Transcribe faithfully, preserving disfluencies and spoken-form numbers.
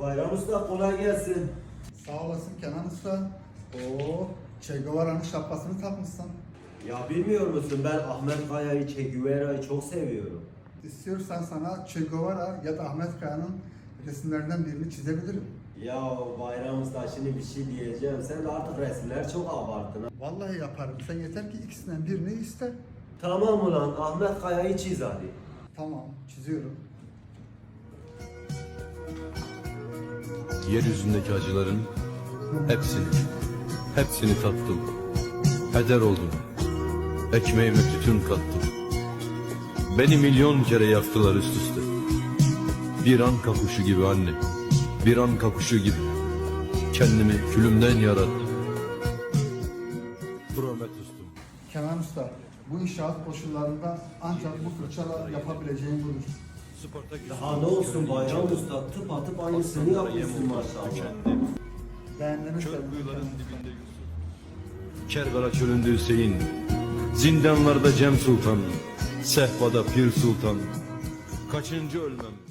Bayram Usta kolay gelsin. Sağ olasın Kenan Usta. Oo, Che Guevara'nın şapkasını takmışsın. Ya bilmiyor musun, ben Ahmet Kaya'yı, Che Guevara'yı çok seviyorum. İstiyorsan sana Che Guevara ya da Ahmet Kaya'nın resimlerinden birini çizebilirim. Ya Bayram Usta, şimdi bir şey diyeceğim. Sen de artık resimler çok abarttın ha. Vallahi yaparım. Sen yeter ki ikisinden birini iste. Tamam ulan, Ahmet Kaya'yı çiz hadi. Tamam, çiziyorum. Yeryüzündeki acıların hepsini, hepsini tattım. Heder oldum. Ekmeğime tütün kattım. Beni milyon kere yaktılar üst üste. Bir an kapuşu gibi anne, bir an kapuşu gibi. Kendimi külümden yarattım. Prometheus'tum. Kenan Usta, bu inşaat koşullarında ancak bu fırçayla yapabileceğin budur. Daha ne olsun Bayram Usta, tıp atıp aynısını yapmışsın maşallah. Beğendiğini Çöl söyledim kuyuların Kenan Usta. dibinde Yusuf. Kerbela çölünde Hüseyin, zindanlarda Cem Sultan, sehpada Pir Sultan. Kaçıncı ölmem?